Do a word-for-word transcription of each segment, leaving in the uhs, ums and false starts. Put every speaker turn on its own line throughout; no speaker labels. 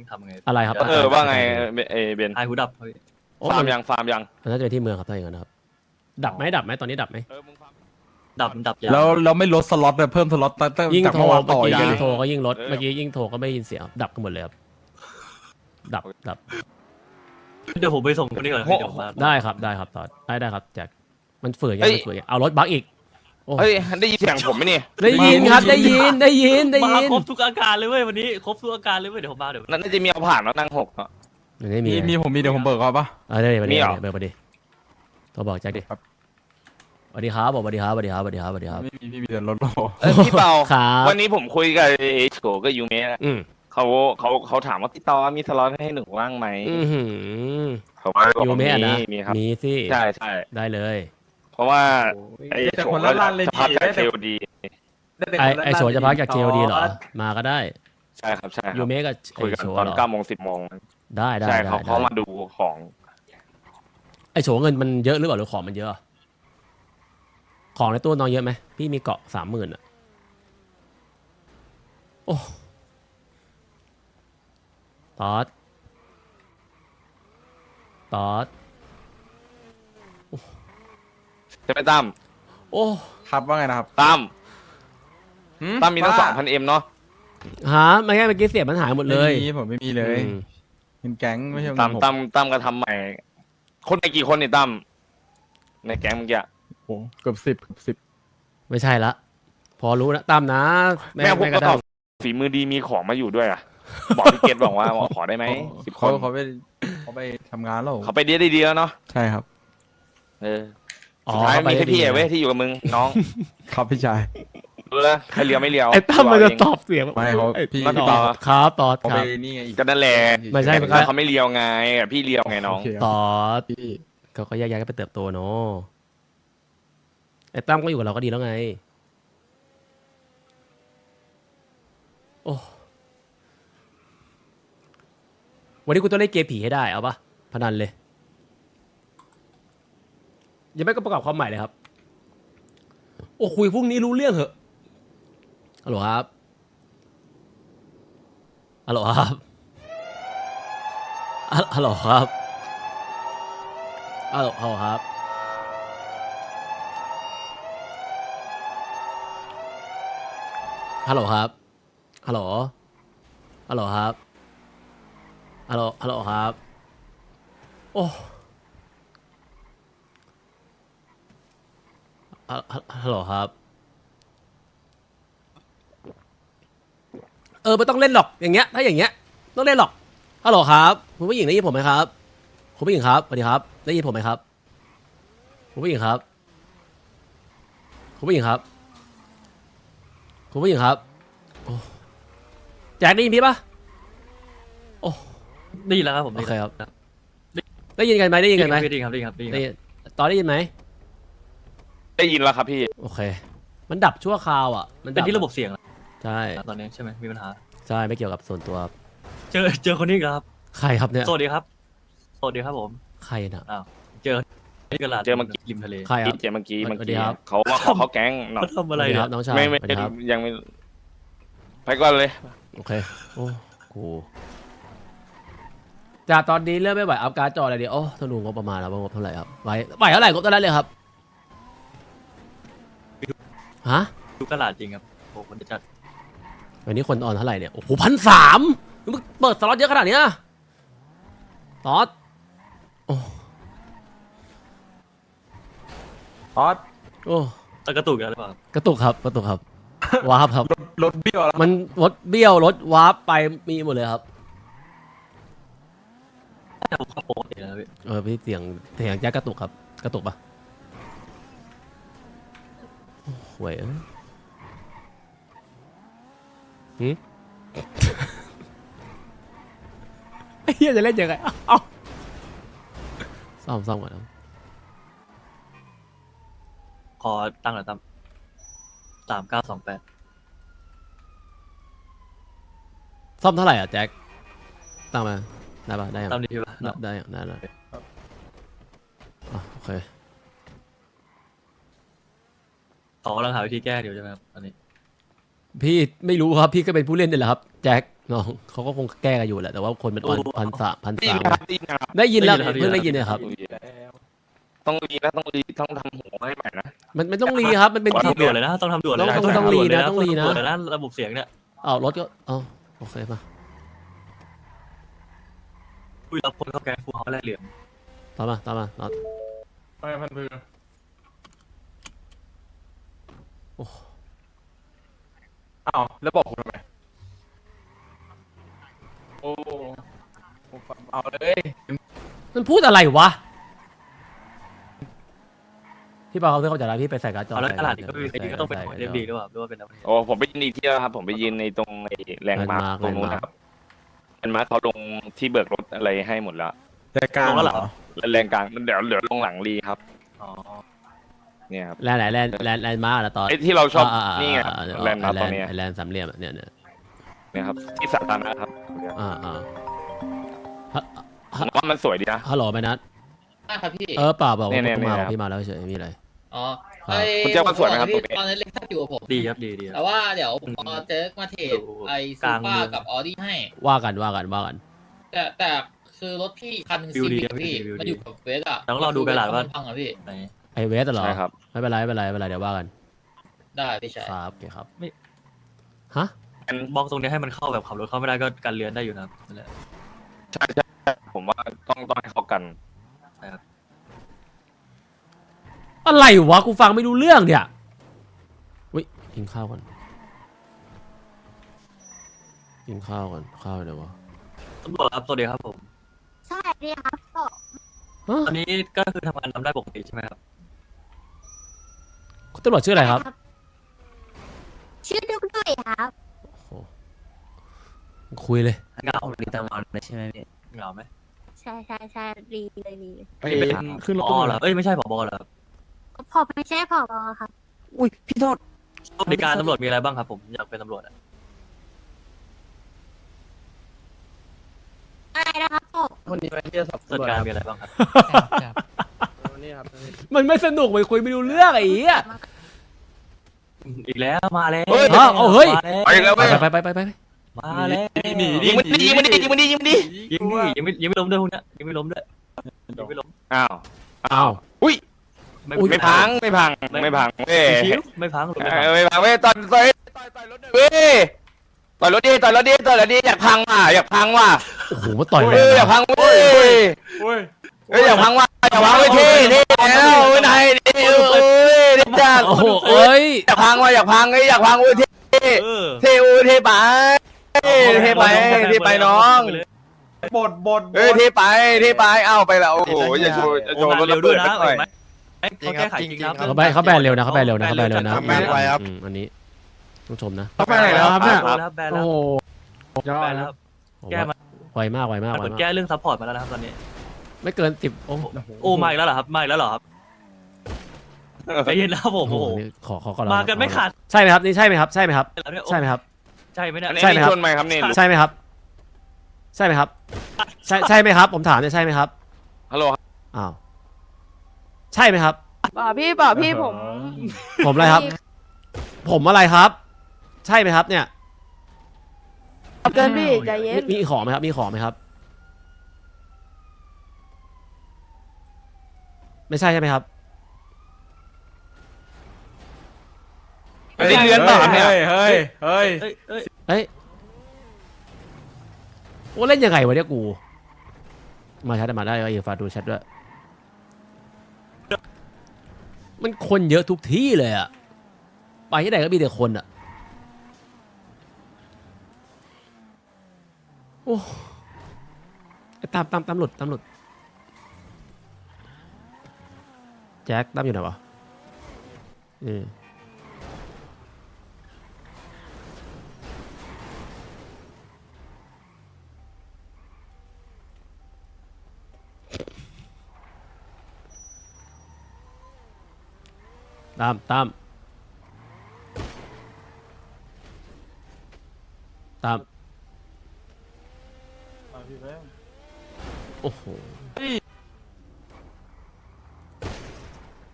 ทำไง
อะไรครับ
เออว่าไงเอเบน
ไอหูดับ
ฟาร์มยังฟาร์มยัง
มันน่าจะเป็นที่เมืองครับถ้าอย่างนั้นนะครับดับไหมดับไหมตอนนี้ดับไหม
เออมึงฟาร์ม
ดับดับยา
แล้วเราไม่ลดสล็อตเลยเพิ่มสล็อตตั้ง
ยิ่ง
จาก
โทร
เมื่อวาน
เมื่อ
ต่อ
กี้
อีก
ยิ่ง
นะ
โทรก็ยิ่งลดเมื่อกี้ยิ่งโทรก็ไม่ได้ยินเสียงดับกันหมดเลยครับดับดับ
เดี๋ยวผมไปส่งคนนี้ก่อนพี่เดี๋ยวมา
ได้ครับได้ครับตอดได้ได้ครับแจ็คมันฝืนยังมันฝืนยังเอารถบักอีก
เฮ้ยได้ยินเสียงผมไหมนี่
ได้ยินครับได้ยินได้ยินได้
มา
ยิน
ครบทุกอาการเลยเว้ยวันนี้ครบทุกอาการเลยเว้ยเดี๋ยวผมมาเดี๋ยว
นั่นน่าจะมีเอาผ่านแล้วนั่งหกเนาะ
ไม่มี
มีมีผมมีเดี๋ยวผมเบิกเอาปะ
เออได้มา
มี
ดิ
เหรอ
เบอร์มาดิโทรบอกแจ็คดิ
ครับ
สวัสดีครับบอกสวัสดีครับสวัสดีครับสวัสดีครับสวัสดีครับ
ไม่มีพี่มีแต่รถโล
เออพี่เปา
ครับ
วันนี้ผมคุยกับเอชโกกับยูเมะ
อืม
เขาเขาเขาถามว่าพี่ตอมีสล็อตให้หนูว่างไหม
อือหือ
เขาว่า
ยูเมะนะ
มีครับ
มีสิ
ใช่ใช่
ได้เลย
เพราะว่าไอ้
แต่
โฉ
คน
ก็
ละล้านเลย
จะพัก
ดี
จาก
ได้
เค
แต่
โอดี
ไอไอโฉจะพักจาก เค โอ ดีเหรอมาก็ได้
ใช่ครับใช่ค
ยู
รับ
เมะกับไอ
คุยกัน
โฉ
ตอน
เหรอ
เก้าโมงสิบโมง
ได้ได้
ใช่
ได้
เขา
ได้
เขามาดูของ
ไอโฉเงินมันเยอะหรือเปล่าหรือของมันเยอะ ของในตู้น้องเยอะไหมพี่มีเกาะสามหมื่นอ่ะโอ้ตอดตอด
ใช่ไหมตั้ม
โอ้
ครับว่าไงนะครับ
ตั้ม
หื
ตั้มมีตั้งสอง
ว่า
พันเอ็มเนาะ
หาไม่ใช่เมื่อกี้เสียบมันหายหมดเลย
ไม่มีผมไม่มีเลย
อืม
เงินแก๊งไม่ใช่เงิ
ตั้ม
นผม
ตั้มตั้มก็ทำใหม่ คนในกี่คนนี่ตั้มในแก๊งเมื่อกี้
โอ้เกือบสิบเกือบสิบ
ไม่ใช่ละ พอรู้นะตามนะ
แม่พวก
ก
ก็
ระ
ต
ทั่
อง บฝีมือดีมีของมาอยู่ด้วยอ่ะ บอกพี่เกตบอกว่าขอได้ไหมสิบค
เขา
น
เขาไปเขาไปทำงานแล้ว
เขาไปดีได้ดีแล้วเนาะ
ใช่ครับ
เออ
อ๋อ
สุดท้าย
เข้าไป
มีแค่พี่
ได้ดี
เว้ยที่อยู่กับมึงน้อง
ครับพี่ชาย
รู้แล้วใครเลียวไม่เลียว
ไอ้ตั้มมันจะ
เอง
ตอบเสียง
ไม่เขา
ไอ้
พี่
มาพี่
ต
ต่
อ
อ
บครับตอด
เขา
ค
ไป
รับ
นี่ไงอีก
ก็นั่นแหละ
ไม่ใช่
แต่เขาไม่เลียวไงพี่เลียวไงน้อง
โเคครับ
ตอด
พี่
เขาก็แยกย้ายกันไปเติบโตเนาะไอ้ตั้มก็อยู่กับเราก็ดีแล้วไงโอ้วันนี้กูต้องเล่นเกมผีให้ได้เอาปะพนันเลยยังไม่ก็ประกอบความใหม่เลยครับโอ้คุยพรุ่งนี้รู้เรื่องเหอะฮัลโหลครับฮัลโหลครับฮัลฮัลโหลครับฮัลโหลฮัลโหลครับฮัลโหลครับฮัลโหลฮัลโหลครับฮัลโหลฮัลโหลครับโอ้ฮัลฮัลโหลครับเออไม่ต้องเล่นหรอกอย่างเงี้ยถ้าอย่างเงี้ยต้องเล่นหรอกฮัลโหลครับคุณผู้หญิงได้ยินผมไหมครับคุณผู้หญิงครับสวัสดีครับได้ยินผมไหมครับคุณผู้หญิงครับคุณผู้หญิงครับคุณผู้หญิงครับโอ้แจ็คได้ยินพี่ปะโอ้
ได้ยินแล้วครับผม
โอเคครับได้ยินกันไหมได้ยินกันไหม
ได้ยินครับได้ยินครับได้ยิน
ได้
ค
ยิ
รับ
นตอนได้ยินไหม
ได้ยินแล้วครับพี่
โอเค มันดับชั่วคราวอ่ะมัน
เป็น
ดั
ที่ระบบเสียง
ใช่
ตอนนี้ใช่ไหมมีปัญหา
ใช่ไม่เกี่ยวกับส่วนตัวครับ
เจอเจอคนนี้อีกแล้วครับ
ใครครับเนี่ย
สวัสดีครับสวัสดีครับผม
ใครนะ
อ้าวเจอที่กระดาษ
เจอเมื่อกี้
ริมทะเล
ใครครับ
เจเมื่อกี้
สวั
เมื่อ
สดี
กี้
ครับ
เขามาขอเขาแก๊งเนาะ
เขาทำอะไร
สวัสดี
เนี่
ครั
ย
บน้องชาย
ไม่ไม่
สวัสดีครับ
ยังไม่ไปก่อนเลย
โอเคโอ้กูจากตอนนี้เริ่มไม่ไหวอัพการ์ดจออะไรเดียวโอ้ต้องดูงบประมาณแล้วว่างบเท่าไหร่ครับไหวไหวเท่าไหร่งบเท่านั้นเลยครับฮะ
ดูกระดาษจริงครับโอ้คนจะจัด
วันนี้คนออนเท่าไหร่เนี่ยโอ้โหพันสามมึงเปิดสล็อตเยอะขนาดเนี้ยตอดโอ้
ออส
โอ้
ตะกระตุกอะไรหรือเปล่าครับ
กระตุกครับกระตุกครับวาร์ปครับ
รถเบี้ยวแล้ว
มันรถเบี้ยวรถวาร์ปไปมีหมดเลยครับ
แต่ผมเข้าปกติแล้วพี่
เออพี่เสียงเสียงแจ๊กกระตุกครับ กระตุกปะโอ้โหวยเอ้ยหืม ไอ้เหี้ยจะเล่นยังไงเอ้าซ่อมซ่อมก่อนครับ
ขอตั้งหน่อยตั้มสามเก้าสองแปด
ซ่อมเท่าไหร่อ่ะแจ็คตั้งมาได้ปะได้ยัง
ตั้มดีป่ะ
ได้ได้ยังได้แล้วอ่ะโอเค
เขากำลังหาวิธีแก้อยู่ใช่ไหมครับตอนนี้
พี่ไม่รู้ครับพี่ก็เป็นผู้เล่นนี่แหละครับแจ็คน้องเขาก็คงแก้กันอยู่แหละแต่ว่าคนเป็นพันพันสามพัน
ได้ยิ
สาน ม
นะครับได้ยินนะครับ
ได้ยินแล้ว
ได้ยินครับ
เพิ่งได้ยินเนี่ยครับ
ต้องรีนะต้องรีต้องทำหัวให้ใหม่นะ
มันมันต้องรีครับมันเป็น
ต้อง
ที่
ทำด่วนเลยนะต้องทำด่วนเลยนะ
ต้องต้องรีนะต้องรีนะ
ด่วนเลยนะระบบเสียงเนี่ย
เอารถก็เอาโอเคมา
คุยรับคนเข้าแก๊งฟูเขาแลกเหรียญ
ตามมาตามมาน็อต
ไปพันพือ
โอ้
อ้าวแล้วบอกผมทำไมโอ้ผมเอาเลย
มันพูดอะไรวะพี่เปาเขาเข้าใจแล้วพี่ไปใส่การ์ดจอ
เอาแล้ว
ใส่
ตลาดนี้ก็ไม่
ใส่
เป็นก็ต้องเป็น
ใส่
เอ็มดีหรือเปล่าหรือว่าเป็นอะไร
โอ้ผมไปยืนอีกที่แล้วครับผมไปยืนในตรงไอ้แรงมาร์คตรงนู้นนะครับแรงมาร์คเขาลงที่เบิกรถอะไรให้หมดแล้ว
แต่กลาง
ลงแล้วเหรอ
แล้วแรงกลางมันเดี๋ยวเหลือลงหลังรีครับ
อ๋อ
เนี่ยครับ
แลนด์ไหนแลนด์แลนด์แลนด์มาร์กนะตอน
ไอ้ที่เราชอบ
าาา
นี่ไงครับ
อ่า
แลนด์มาร์คตอนเนี้ย
ไอ้แลนด์สามเหลี่ยมอะเนี่ยเนี่ย
เนี่ยครับที่สาธารณะครับ
อ่าอ่าฮะ
ผมว่ามันสวยดีนะ
ฮัลโหลไปนัด
ได้ครับพี่
เออเปล่าบอก
เนี่
ว่าย
เนี่ย
พี่มา
เนี่ย
บอกพี่มาแล้วเฉยไม่มีอะไร
อ๋อ
ครับ
ไอ้
คุณเจ้าว่าสวยไหมครับ
พี่
ตรงนี้
ตอนนั้นเล็กทับอยู่กับผม
ดีครับดีดีครับ
แต่ว่าเดี๋ยวผมเอาเจ๊มาเทรดไอ้
ก
ซู
ลาง
เปอ
เมือง
ร์กับออดี้ให้
ว่ากันว่ากันว่ากัน
แต่แต่คือรถพี่คันหนึง
วิ
ซี
วดี
พี
ครับ
พี่
วิวดี
มันอยู่กับเวสอะ
ต้องรอดูกระดาษว่า
มันพังอะพี่
ไหน
ไอเวสเหรอ
ใช่ครับ
ไม่เป็นไรไม่เป็นไรไม่เป็นไรเดี๋ยวว่ากัน
ได้พี่ชาย
ครับโอเคครับ
ไม่
ฮะ
บล็อกตรงนี้ให้มันเข้าแบบขับรถเข้าไม่ได้ก็กันเรือนได้อยู่นะครับนั่นแหละ
ใช่ใช่ผมว่าต้องต้องให้เขากัน
อะไรวะกูฟังไม่รู้เรื่องเนี่ยวิกินข้าวก่อนกินข้าวก่อนข้าวเดี๋ยววะ
ตำรวจครับสวัสดีครับผม
ใช่ดีครับผม
ฮะ
ตอนนี้ก็คือทำงานทำได้ปกติใช่ไหมครับ
คุณตำรวจชื่ออะไรครับ
ชื่อดุกดุยครับ
โอ้โหคุยเลย
เหงาดีตำรวจใช่ไหมพี่เหงาไหม
ใช่ใช่ใช่ดีเลยดีเลย
ไป
นี่เป็น
ขึ้นรถ
ผอเหรอเอ้ยไม่ใช่ผบเหรอครับ
ผมไม่ใช่ผอครับ
อุ้ยพี่โทษ
บริการตำรวจมีอะไรบ้างครับผมอยากเป็นตำรวจอะ
อะไรนะครับผม
วันนี้ไปที่จะสอบ
บริการมีอะไรบ้างครับ
วันนี้ครับ
มันไม่สนุกไปคุยไม่รู้เรื่องไอ้เหี้ย
อีกแล้วมาแล้ว
เฮ้ย
อ้าวเอาเฮ้ย
ไปแล้ว
ไป
เว้ย
ไปไปไปไปไป
มาแล้ว
ยิงมันดิยิงมันดิยิงมันดิยิงมันดิ
ยิงดิยิงไม่ยิงไม่ล้มด้วยพวกเนี้ยยิงไม่ล้มด้วยยิงไม่ล้ม
อ้าว
อ้าว
อุ้ย
ไม่
ไม่พังไม่พังไม่พังเว้ย
ชิวไม่พังหรือไม่
เอ
พัง
อไม่พังเว้ยต่อยต่อยต่อยต่อยรถเว้ยต่อยรถดิต่อยรถดิต่อยรถดิอยากพังว่ะอยากพังว่ะ
โอ้โหมาต่อยเล
เอออยาก
ย
พังเว้ย
โอ้ย
เอ้ยอยากพังว่ะอยากพังเว้ยเท่เท่แล้วเว้ยนายเท่เอ้ยเท่จัง
โอ้โหเอ้ย
อยากพังว่ะอยากพังเอ้ยอยากพังเว้ยเท่
เออ
เท่โอ้ยเท่ไปเท่ไปเท่ไปน้อง
บดบด
เอ้ยเท่ไปเท่ไปเอ้าไปแล้วโอ้โหอย่าโชว์อย่าโช
โอ้
ว์
งาน
รถ
เร็
ระ
วด้
เบิ
วย
ด
นะ
หน่อย
เห็นไหมเอ้ยเขาแก้ไขจริงครับ
เขาแบนเขาแบนเร็วนะเขาแบนเร็วนะเขาแบนเร็วนะ
ทำแบนไวครับ
อืมอันนี้ต้องชมนะ
เขาไปไหนแล้วครับเนี่ย
แล้วแบน
โอ้
แล้ว
โหยอ
แบ
ด
น
แล้
แล้ว ว
ผม
แก้
ว่า
มา
ไวมากไวมาก
เห
ไว
มือน
มาก
แก้เรื่องซัพพอร์ตมาแล้วนะครับตอนนี้
ไม่เกินสิบโอ้โห
โอ้มาอีกแล้วเหรอครับมาอีกแล้วเหรอครับใจเย็นนะครับผมโอ้โห
นี่ขอขอก่อน
มากันไม่ขาด
ใช่ไหมครับนี่ใช่ไหมครับใช่ไหมครับ
แล้วเนี่ยโอ้
ใช่ไหมครับ
ใช่ไหมเนี่ย
อันนี้
ใช่ไหมครับ
ชนไหมครับนี่
ใช่ไหมครับ ใช่ไหมครับ ใช่ใช่ไหมครับ ผมถามเนี่ยใช่ไหมครับ
ฮัลโหล
อ้าวใช่ไหมครับ
ป่าพี่ป่าพี่ผม
ผมอะไรครับ ผมอะไรครับ ใช่ไหมครับ เนี่ย
เกินพี่ใจเย็น
มีมีของไหมครับ มีของไหมครับ ไม่ใช่ใช่ไหมครับ
อันนี้เรือนเปล่าครับเนี่ย
เฮ้ยเฮ้ย
เอ้ยเอ้ย
เอ้ยโอ้เล่นยังไงวะเนี่ยกู มาแชทมาได้ก็อย่าฝากดูแชทด้วย มันคนเยอะทุกที่เลยอะไปที่ไหนก็มีแต่คนอะโอ้ไอ้ตามตามตามหลุดตามหลุดแจ็คตามอยู่ไหนวะอืมตามตามตามโอ้โห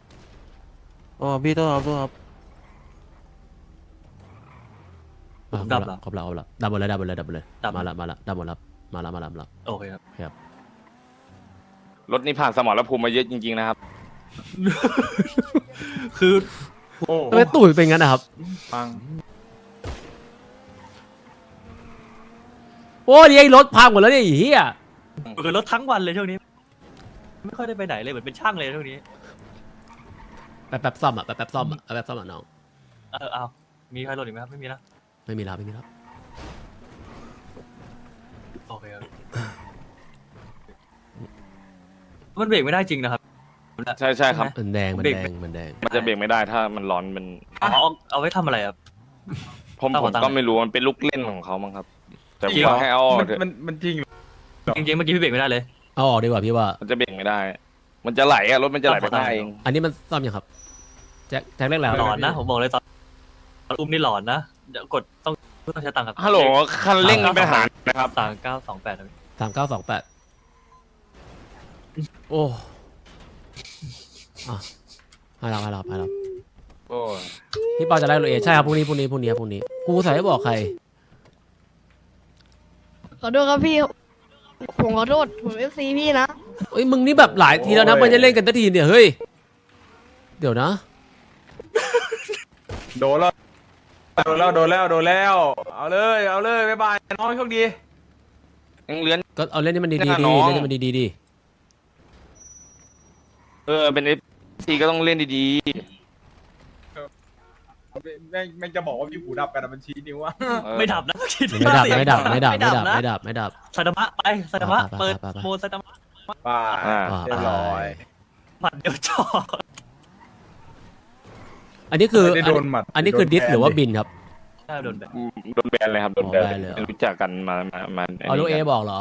อ๋อพี่ต้องครับต้องครับ
อ่ะ
ดับเหรอ
ครบแล้วครบแล้วดับหมดเลยดับหมดเลยดับหมดเลย
ดับ
มาละมาละดับหมดแล้วมาละมาละมาละ
โอเคครับ
ครับ
รถนี่ผ่านสมรภูมิมาเยอะจริงๆนะครับ
คือ
โอ้
ทำไมตูดเป็นงั้นนะครับ
ฟัง
โอ้ยไอ้รถพังหมดแล้วเนี่ยไอ้เหี้ย
คือรถทั้งวันเลยช่วงนี้ ไม่ค่อยได้ไปไหนเลยเหมือนเป็นช่างเลยช่วงนี้
แป๊บแป๊บซ่อมอ่ะแป๊บแป๊บซ่อมอ่ะแป๊บแป๊บซ่อมอ่ะน้อง
เออเอามีใครหล่นอีกไหมครับไม่มีนะ
ไม่มีแล้วไม่มีแล้ว
โอเคครับมันเบรกไม่ได้จริงนะครับ
ใช่ใช่ครับ
มันแดงมัน
เบรก
แดงมันแดง
มันจะเบรกไม่ได้ถ้ามันร้อนมัน
อ๋อเอาเอาไว้ทำอะไรครับ
ผม
เอา
ผ
หัว
ม
ตังค์
ก็ไม่รู้มันเป็นลูกเล่นของเขามั้งครับ แต่
จริงเหรอ
ว่าให้เอาออก
มัน
เถอะ
มันมันจริงเหรอ
จริงๆเมื่อกี้พี่เบรกไม่ได้เลย
เอาออกดีกว่าพี่ว่า
มันจะเบรกไม่ได้ มันจะไหลอะรถมันจะไหลไปได้เอง
อันนี้มันซ่อมยังครับแจ็คแจ็คเรียกแล้ว
หลอนนะผมบอกเลยตอนตอนอุ้มนี่หลอนนะเดี๋ยวกดต้องต้องใช้ตังค์ครับ
ฮัลโหลคันเร่งมีปัญหานะครับ
สามเก้าสองแปดครับ
สามเก้าสองแปดโอ้อ่ะให้เราให้เราให้เรา
โอ้ย
พี่ปอจะไล่โรเอใช่ครับพรุ่งนี้พรุ่งนี้พรุ่งนี้ครับพรุ่งนี้กูใส่ไม่บอกใคร
ขอโทษครับพี่ ผมขอโทษ ผมเอฟซีพี่นะ
เอ้ยมึงนี่แบบหลายทีแล้วนะมันจะเล่นกันทันทีเนี่ยเฮ้ยเดี๋ยวนะ
โดนแล้วโดนแล้วโดนแล้วโดนแล้ว เอาเลยเอาเลยบ๊ายบายน้องโชคดี
ยังเลื้อน
ก็เอาเล่นให้มันดีๆ
แน่
ดี
นอน
เล่นให้มันดีๆดี
เออเป็นเอฟซีก็ต้องเล่นดี
แม่งแม่งจะบอกว่าพี่หูดับกันอะมันชี้นิ้วอะ
ๆเออ
ไม่ดับนะคิด
ไม่ดับไม่ดับไม่ดับไม่ดับ
นะ
ไม่ดับไม่ดับ
ไซตามะไปไซตามะ
ไปไปไป
เปิด
ไปไป
โหมดไซตามะ
ป่า
อ่า
เรียบร้อย
หมัดเดียวจอด
อันนี้คือ
ไม่ได้โดนหมัด
อันนี้คือ
โดน
ดิส
แทน
หรือว่า
ดิ
บินครับ
ใช่โดนแบบ
โดนแบนเลยครับโดนแบน
อ๋อแบนเลยเหรอ
รู้จักกันมามามา
เอาลูกเอบอกเหรอ